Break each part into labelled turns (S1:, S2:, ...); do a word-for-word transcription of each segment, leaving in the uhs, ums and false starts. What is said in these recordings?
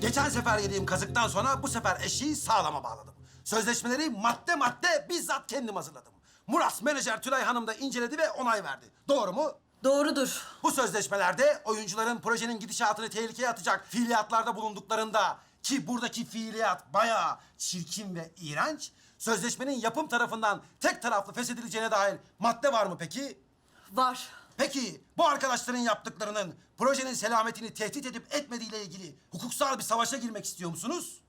S1: Geçen sefer yediğim kazıktan sonra bu sefer eşiği sağlama bağladım. Sözleşmeleri madde madde bizzat kendim hazırladım. Murat menajer Tülay Hanım da inceledi ve onay verdi. Doğru mu?
S2: Doğrudur.
S1: Bu sözleşmelerde oyuncuların projenin gidişatını tehlikeye atacak fiiliyatlarda bulunduklarında ki buradaki fiiliyat bayağı çirkin ve iğrenç, sözleşmenin yapım tarafından tek taraflı feshedileceğine dair madde var mı peki?
S2: Var.
S1: Peki bu arkadaşların yaptıklarının projenin selametini tehdit edip etmediğiyle ilgili hukuksal bir savaşa girmek istiyor musunuz?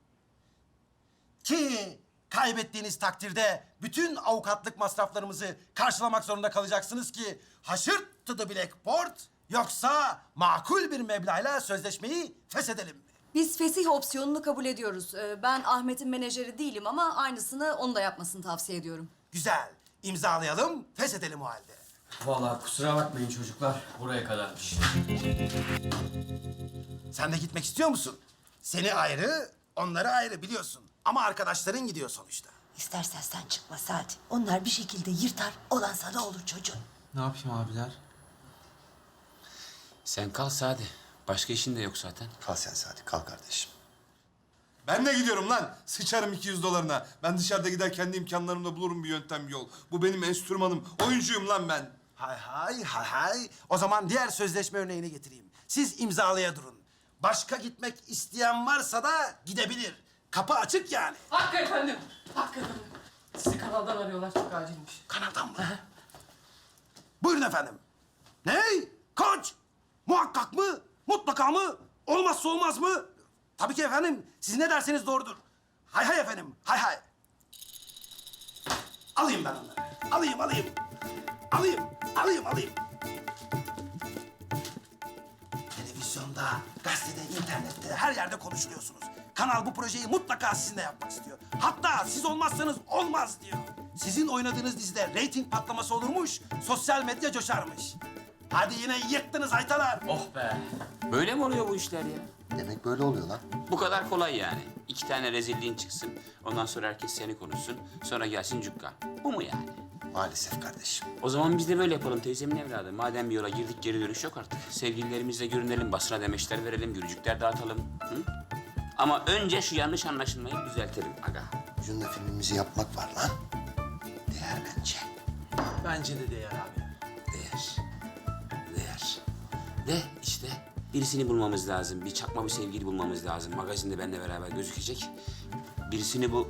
S1: Ki kaybettiğiniz takdirde bütün avukatlık masraflarımızı karşılamak zorunda kalacaksınız ki haşırt to the blackboard, yoksa makul bir meblağla sözleşmeyi feshedelim mi?
S2: Biz fesih opsiyonunu kabul ediyoruz. Ee, Ben Ahmet'in menajeri değilim ama aynısını onun da yapmasını tavsiye ediyorum.
S1: Güzel. İmzalayalım, feshedelim o halde.
S3: Vallahi kusura bakmayın çocuklar. Buraya kadarmış.
S1: Sen de gitmek istiyor musun? Seni ayrı, onları ayrı biliyorsun. Ama arkadaşların gidiyor sonuçta.
S4: İstersen sen çıkma Sadi. Onlar bir şekilde yırtar, olan sana olur çocuğum.
S3: Ne yapayım abiler?
S5: Sen kal Sadi. Başka işin de yok zaten.
S6: Kal sen Sadi, kal kardeşim.
S7: Ben de gidiyorum lan. Sıçarım iki yüz dolarına. Ben dışarıda gider kendi imkanlarımla bulurum bir yöntem, bir yol. Bu benim enstrümanım. Oyuncuyum lan ben.
S1: Hay hay hay hay. O zaman diğer sözleşme örneğini getireyim. Siz imzalaya durun. Başka gitmek isteyen varsa da gidebilir. Kapı açık yani.
S8: Hakkı efendim, Hakkı efendim. Sizi kanaldan arıyorlar, çok acilmiş.
S1: Kanaldan mı? Buyurun efendim. Ne? Kaç? Muhakkak mı? Mutlaka mı? Olmazsa olmaz mı? Tabii ki efendim. Siz ne derseniz doğrudur. Hay hay efendim. Hay hay. Alayım ben onları. Alayım, alayım. Alayım, alayım, alayım. Televizyonda, gazetede, internette, her yerde konuşuluyorsunuz. Kanal bu projeyi mutlaka sizinle yapmak istiyor. Hatta siz olmazsanız olmaz diyor. Sizin oynadığınız dizide reyting patlaması olurmuş, sosyal medya coşarmış. Hadi yine yıktınız haytalar.
S3: Oh be.
S5: Böyle mi oluyor bu işler ya?
S6: Demek böyle oluyor lan.
S5: Bu kadar kolay yani. İki tane rezilliğin çıksın. Ondan sonra herkes seni konuşsun. Sonra gelsin cukka. Bu mu yani?
S6: Maalesef kardeşim.
S5: O zaman biz de böyle yapalım teyzemin evladı. Madem bir yola girdik geri dönüş yok artık. Sevgililerimizle görünelim, basına demeçler verelim, gülücükler dağıtalım. Hı? Ama önce şu yanlış anlaşılmayı düzeltelim aga.
S6: Ucunda filmimizi yapmak var lan. Değer bence.
S3: Bence de değer abi.
S5: Değer. Değer. De işte birisini bulmamız lazım. Bir çakma bir sevgili bulmamız lazım. Magazinde benimle beraber gözükecek. Birisini bu...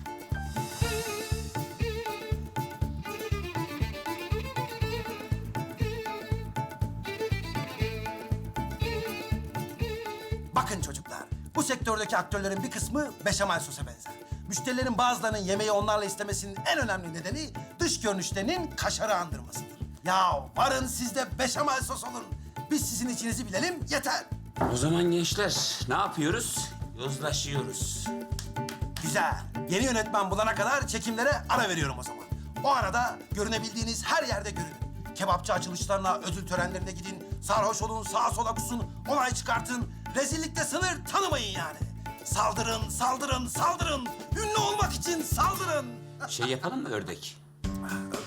S1: Bakın çocuklar, bu sektördeki aktörlerin bir kısmı beşamel sosa benzer. Müşterilerin bazılarının yemeği onlarla istemesinin en önemli nedeni dış görünüşlerinin kaşarı andırmasıdır. Ya varın siz de beşamel sos olun. Biz sizin içinizi bilelim yeter.
S5: O zaman gençler ne yapıyoruz? Yozlaşıyoruz.
S1: Güzel. Yeni yönetmen bulana kadar çekimlere ara veriyorum o zaman. O arada görünebildiğiniz her yerde görünün. Kebapçı açılışlarına, ödül törenlerine gidin. Sarhoş olun, sağa sola kusun, olay çıkartın. Rezillikte sınır tanımayın yani. Saldırın, saldırın, saldırın. Ünlü olmak için saldırın.
S5: Şey yapalım mı ördek?